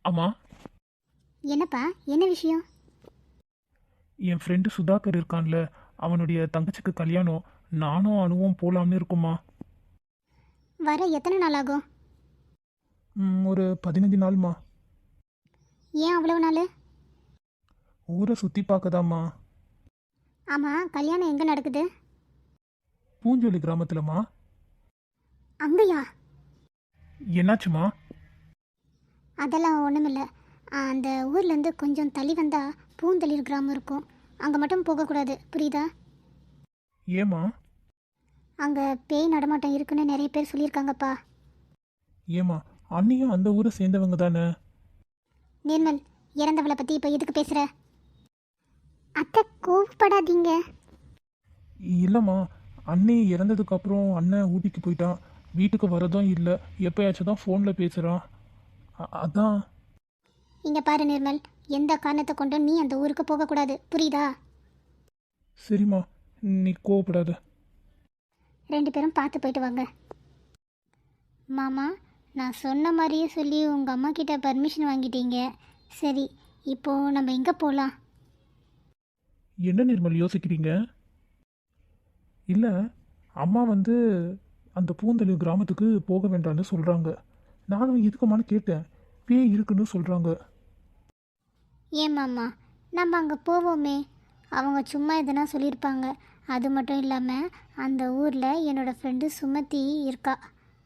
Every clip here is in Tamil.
ஆமா. என்னப்பா, என்ன விஷயம்? என் ஃப்ரெண்டு சுதாகர் இருக்கான்ல, அவனுடைய தங்கச்சிக்கு கல்யாணம். நானும் அனுவும் போலாம்னு இருக்குமா. வர எத்தனை நாள் ஆகும்? ஒரு 15 நாள்மா. ஏன் அவ்வளவு நாள்? ஊரை சுற்றி பார்க்கதாம்மா. ஆமாம், கல்யாணம் எங்கே நடக்குது? பூஞ்சோலி கிராமத்துலம்மா. அங்கேயா? என்னாச்சுமா? அதெல்லாம் ஒன்றுமில்ல. அந்த ஊர்லேருந்து கொஞ்சம் தள்ளி வந்தால் பூந்தளிர் கிராமம் இருக்கும். அங்கே மட்டும் போகக்கூடாது, புரியுதா? ஏமா? அங்கே பேய் நடமாட்டம் இருக்குன்னு நிறைய பேர் சொல்லியிருக்காங்கப்பா. ஏமா, அண்ணியும் அந்த ஊரை சேர்ந்தவங்க தானே? நிர்மல், இறந்தவளை பற்றி இப்போ எதுக்கு பேசுகிற? அத்தை, கோவப்படாதீங்க. இல்லைம்மா, அண்ணி இறந்ததுக்கு அப்புறம் அண்ணன் ஊட்டிக்கு போயிட்டான். வீட்டுக்கு வரதும் இல்லை. எப்பயாச்சும் தான் ஃபோனில் பேசுகிறான். அதான். இங்கே பாரு நிர்மல், எந்த காரணத்தை கொண்டும் நீ அந்த ஊருக்கு போகக்கூடாது, புரியுதா? சரிம்மா, நீ கோவப்படாத. 2 பேரும் பார்த்து போயிட்டு வாங்க. மாமா, நான் சொன்ன மாதிரியே சொல்லி உங்கள் அம்மா கிட்ட பர்மிஷன் வாங்கிட்டீங்க. சரி, இப்போது நம்ம எங்கே போகலாம்? என்ன நிர்மல் யோசிக்கிறீங்க? இல்லை, அம்மா வந்து அந்த பூந்தளிர் கிராமத்துக்கு போக வேண்டாம்னு சொல்கிறாங்க. நானும் இதுக்குமான்னு கேட்டேன். பேய் இருக்குன்னு சொல்கிறாங்க. ஏன் மாமா, நம்ம அங்கே போவோமே. அவங்க சும்மா எதுனா சொல்லியிருப்பாங்க. அது மட்டும் இல்லாமல் அந்த ஊரில் என்னோடய ஃப்ரெண்டு சுமதி இருக்கா.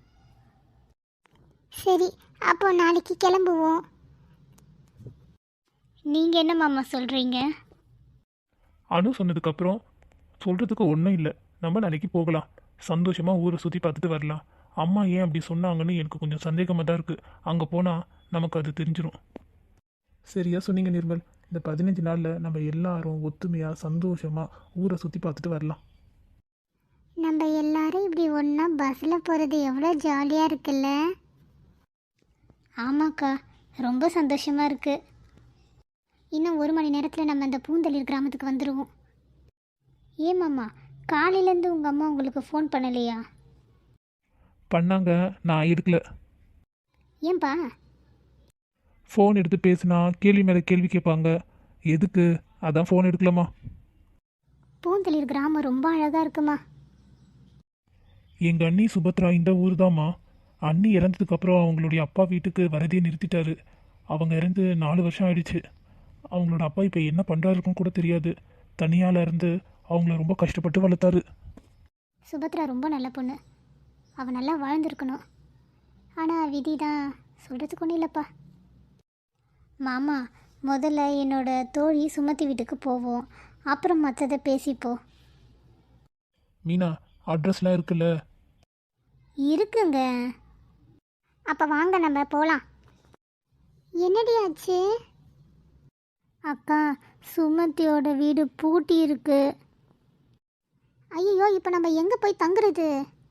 சரி, அப்போ நாளைக்கு கிளம்புவோம். நீங்கள் என்ன மாமா சொல்கிறீங்க? அனு சொன்னதுக்கப்புறம் சொல்கிறதுக்கு ஒன்றும் இல்லை. நம்ம நாளைக்கு போகலாம். சந்தோஷமாக ஊரை சுற்றி பார்த்துட்டு வரலாம். அம்மா ஏன் அப்படி சொன்னாங்கன்னு எனக்கு கொஞ்சம் சந்தேகமாக தான் இருக்குது. அங்கே போனால் நமக்கு அது தெரிஞ்சிடும். சரியா சொன்னீங்க நிர்மல். இந்த 15 நாளில் நம்ம எல்லாரும் ஒத்துமையாக சந்தோஷமாக ஊரை சுற்றி பார்த்துட்டு வரலாம். நம்ம எல்லாரும் இப்படி ஒன்றா பஸ்ஸில் போகிறது எவ்வளோ ஜாலியாக இருக்குல்ல? ஆமாக்கா, ரொம்ப சந்தோஷமாக இருக்குது. இன்னும் 1 மணி நேரத்தில் நம்ம அந்த பூந்தளிர் கிராமத்துக்கு வந்துடுவோம். ஏமாம்மா, காலையிலேருந்து உங்கள் அம்மா உங்களுக்கு ஃபோன் பண்ணலையா? பண்ணாங்க, நான் எடுக்கல. ஏன்பா? ஃபோன் எடுத்து பேசினா கேள்வி மேலே கேள்வி கேட்பாங்க. எதுக்கு? அதான் ஃபோன் எடுக்கலாமா. பூந்தளிர் கிராமம் ரொம்ப அழகாக இருக்குமா. எங்கள் அண்ணி சுபத்ரா இந்த ஊர் தாம்மா. அண்ணி இறந்ததுக்கப்புறம் அவங்களுடைய அப்பா வீட்டுக்கு வரதே நிறுத்திட்டாரு. அவங்க இறந்து 4 வருஷம் ஆயிடுச்சு. அவங்களோட அப்பா இப்போ என்ன பண்ணுறாருக்குன்னு கூட தெரியாது. தனியால் இருந்து அவங்கள ரொம்ப கஷ்டப்பட்டு வளர்த்தாரு. சுபத்ரா ரொம்ப நல்ல பொண்ணு. அவள் நல்லா வாழ்ந்துருக்கணும். ஆனால் விதி தான், சொல்கிறதுக்கு ஒன்றும் இல்லைப்பா. மாமா, முதல்ல என்னோட தோழி சுமதி வீட்டுக்கு போவோம், அப்புறம் மற்றதை பேசிப்போம். மீனா, அட்ரஸ்லாம் இருக்குல்ல? இருக்குங்க. அப்போ வாங்க நம்ம போகலாம். என்னடி ஆச்சு? அக்கா, சுமதியோட வீடு பூட்டி இருக்கு. ஐயோ, இப்போ நம்ம எங்கே போய் தங்குறது?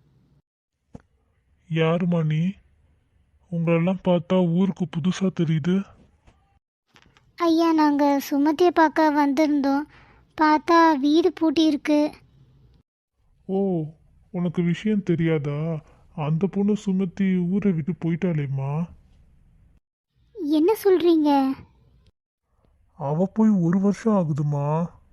யாருமா நீ? உங்களெல்லாம் பார்த்தா ஊருக்கு புதுசாக தெரியுது. ஐயா, நாங்கள் சுமதியை பார்க்க வந்திருந்தோம். பார்த்தா வீடு பூட்டி இருக்கு. ஓ, உனக்கு விஷயம் தெரியாதா? அந்த பொண்ணு சுமத்தி ஊரை விட்டு போயிட்டாளேம்மா. என்ன சொல்கிறீங்க? அவ போய் 1 வருஷம் ஆகுதுமா.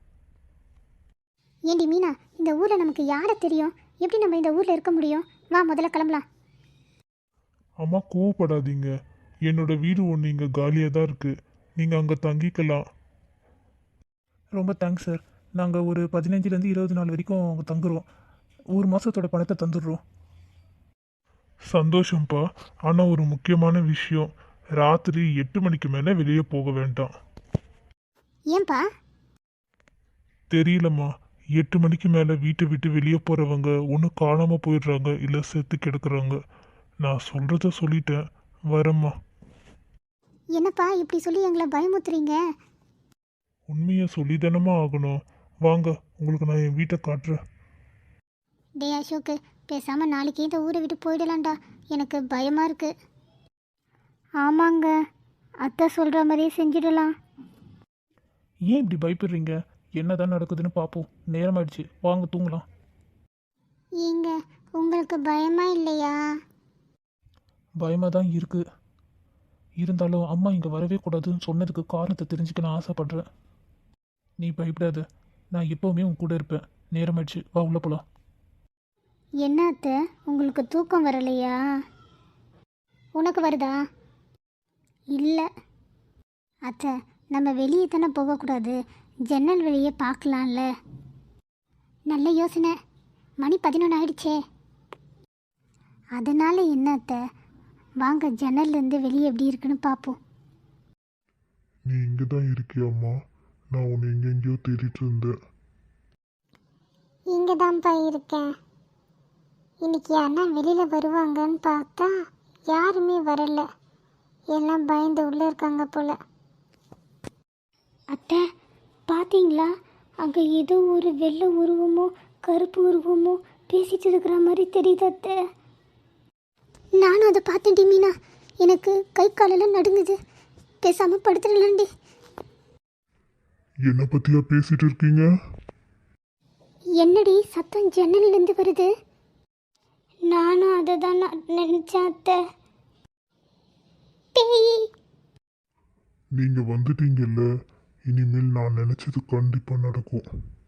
ஏண்டி மீனா, இந்த ஊரில் நமக்கு யாரை தெரியும்? எப்படி நம்ம இந்த ஊரில் இருக்க முடியும்? வா, முதல்ல கிளம்பலாம். அம்மா கோவப்படாதீங்க. என்னோட வீடு ஒன்று இங்கே காலியாக தான் இருக்குது. நீங்கள் அங்கே தங்கிக்கலாம். ரொம்ப தேங்க்ஸ் சார். நாங்கள் ஒரு 15லேருந்து 20 நாள் வரைக்கும் அங்கே தங்குறோம். 1 மாதத்தோட பணத்தை தந்துடுறோம். சந்தோஷம்ப்பா. ஆனால் ஒரு முக்கியமான விஷயம், ராத்திரி 8 மணிக்கு மேலே வெளியே போக வேண்டாம். ஏன்பா? தெரியலம்மா, 8 மணிக்கு மேலே வீட்டை விட்டு வெளியே போகிறவங்க ஒன்று காணாமல் போயிடுறாங்க, இல்லை செத்து கிடக்குறாங்க. நான் சொல்கிறத சொல்லிட்டேன். வரேம்மா. என்னப்பா இப்படி சொல்லி எங்களை பயமுத்துறீங்க? உண்மையை சொல்லி தானம்மா ஆகணும். வாங்க, உங்களுக்கு நான் என் வீட்டை காட்டுறேன். டே அசோக்கு, பேசாமல் நாளைக்கே இந்த ஊரை விட்டு போயிடலாம்டா. எனக்கு பயமாக இருக்கு. ஆமாங்க, அத்தை சொல்கிற மாதிரியே செஞ்சிடலாம். ஏன் இப்படி பயப்படுறீங்க? என்ன தான் நடக்குதுன்னு பார்ப்போம். நேரமாயிடுச்சு, வாங்க தூங்கலாம். ஏங்க, உங்களுக்கு பயமா இல்லையா? பயமாக தான் இருக்குது. இருந்தாலும் அம்மா இங்கே வரவே கூடாதுன்னு சொன்னதுக்கு காரணத்தை தெரிஞ்சுக்க நான் ஆசைப்படுறேன். நீ பயப்படாத, நான் எப்போவுமே உன் கூட இருப்பேன். நேரமாயிடுச்சு, வா உள்ள போகலாம். என்ன அத்தை, உங்களுக்கு தூக்கம் வரலையா? உனக்கு வருதா? இல்லை அத்தை, நம்ம வெளியே தானே போகக்கூடாது, ஜன்னல் வெளியே பார்க்கலாம்ல. நல்ல யோசனை. மணி 11 ஆயிடுச்சே. அதனால் என்ன அத்தை, வாங்க ஜன்னல்லேருந்து வெளியே எப்படி இருக்குன்னு பார்ப்போம். நீ இங்கே தான் இருக்கியாம்மா? நான் உன்னை எங்கெங்கேயோ தேடிட்டு இருந்தேன். இங்கே தான்ப்பா இருக்கேன். இன்னைக்கு அண்ணா வெளியில் வருவாங்கன்னு பார்த்தா யாருமே வரல. எல்லாம் பயந்து உள்ளே இருக்காங்க போல. அத்தை பார்த்தீங்களா, அங்கே ஏதோ ஒரு வெள்ளை உருவமோ கருப்பு உருவமோ பேசிட்டு இருக்கிற மாதிரி தெரியுது அத்தை. நானும் அதை பார்த்தேன்டி மீனா, எனக்கு கை காலெல்லாம் நடுங்குது. பேசாமல் படுத்துடலாண்டி. என்னை பற்றியா பேசிட்டு இருக்கீங்க? என்னடி சத்தம் ஜன்னல்லேருந்து வருது? நானும் அதை தான் நினச்சேன் அத்தை. பேய். நீங்கள் வந்துட்டீங்கல்ல, இனிமேல் நான் நினச்சது கண்டிப்பாக நடக்கும்.